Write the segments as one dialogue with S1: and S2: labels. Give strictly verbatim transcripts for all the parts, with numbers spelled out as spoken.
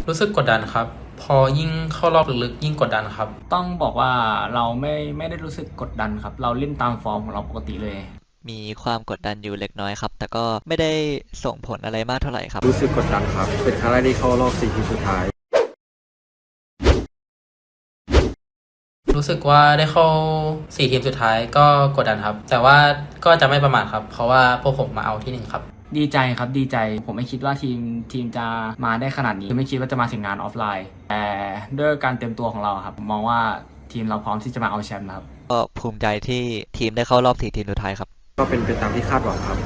S1: รู้สึกกดดันครับพอยิ่งเข้ารอบลึกๆยิ่งกดดันครับ
S2: ต้องบอกว่าเราไม่ไม่ได้รู้สึกกดดันครับเราเล่นตามฟอร์มของเราปกติเลย
S3: มีความกดดันอยู่เล็กน้อยครับแต่ก็ไม่ได้ส่งผลอะไรมากเท่าไหร่ครับ
S4: รู้สึกกดดันครับเป็นครั้งแรกที่เข้ารอบสี่ทีมสุดท้าย
S1: รู้สึกว่าได้เข้าสี่ทีมสุดท้ายก็กดดันครับแต่ว่าก็จะไม่ประมาทครับเพราะว่าพวกผมมาเอาที่หนึ่งครับ
S2: ดีใจครับดีใจผมไม่คิดว่าทีมทีมจะมาได้ขนาดนี้ไม่คิดว่าจะมาถึงงานออฟไลน์แต่ด้วยการเตรียมตัวของเราครับผมมองว่าทีมเราพร้อมที่จะมาเอาแชมป์นะครับ
S3: ก็ภูมิใจที่ทีมได้เข้ารอบสี่ทีมสุดท้ายครับ
S4: ก็เป็นไปตามที่คาดหวังครับ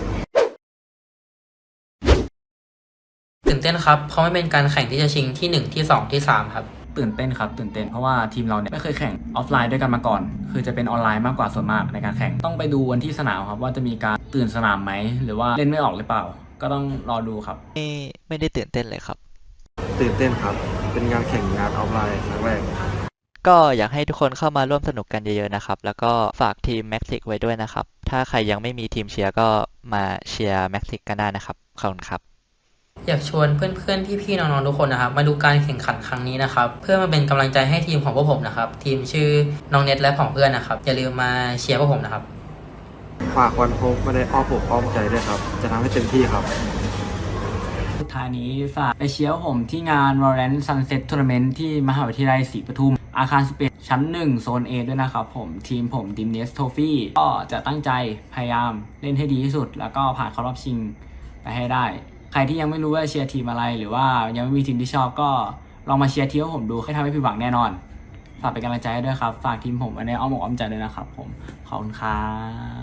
S1: ตื่นเต้นครับเพราะไม่เป็นการแข่งที่จะชิงที่หนึ่งที่สองที่สามครับ
S2: ตื่นเต้นครับตื่นเต้นเพราะว่าทีมเราเนี่ยไม่เคยแข่งออฟไลน์ด้วยกันมาก่อนคือจะเป็นออนไลน์มากกว่าส่วนมากในการแข่งต้องไปดูวันที่สนามครับว่าจะมีการตื่นสนามไหมหรือว่าเล่นไม่ออกหรือเปล่าก็ต้องรอดูครับ
S3: ไม่ไม่ได้ตื่นเต้นเลยครับ
S4: ตื่นเต้นครับเป็นงานแข่งงานออฟไลน์ครั้งแรก
S3: ก็อยากให้ทุกคนเข้ามาร่วมสนุกกันเยอะๆนะครับแล้วก็ฝากทีมแม็กซิกไว้ด้วยนะครับถ้าใครยังไม่มีทีมเชียร์ก็มาเชียร์แม็กซิกกันได้นะครับขอบคุณครับ
S1: อยากชวนเพื่อนๆพี่ๆน้องๆทุกคนนะครับมาดูการแข่งขันครั้งนี้นะครับเพื่อมาเป็นกำลังใจให้ทีมของพวกผมนะครับทีมชื่อน้องเน็ตและของเพื่อนนะครับอย่าลืมมาเชียร์พวกผมนะครับ
S4: ฝากวันพบมาได้อ้อมอกอ้อมใจด้วยครับจะทำให้เต็มที่ครับ
S2: สุดท้ายนี้ฝากไปเชียร์ผมที่งาน Valorant Sunset Tournament ที่มหาวิทยาลัยศรีปทุมอาคารสิบเอ็ดชั้นหนึ่งโซน A ด้วยนะครับผมทีมผม ดี เอ็ม เอส Trophy ก็จะตั้งใจพยายามเล่นให้ดีที่สุดแล้วก็ผ่านเข้ารอบชิงไปให้ได้ใครที่ยังไม่รู้ว่าเชียร์ทีมอะไรหรือว่ายังไม่มีทีมที่ชอบก็ลองมาเชียร์ทีมของผมดูให้ทำให้ผิดหวังแน่นอนฝากเป็นกำลังใจให้ด้วยครับฝากทีมผมไว้ในอ้อมอกอ้อมใจด้วยนะครับผมขอบคุณครับ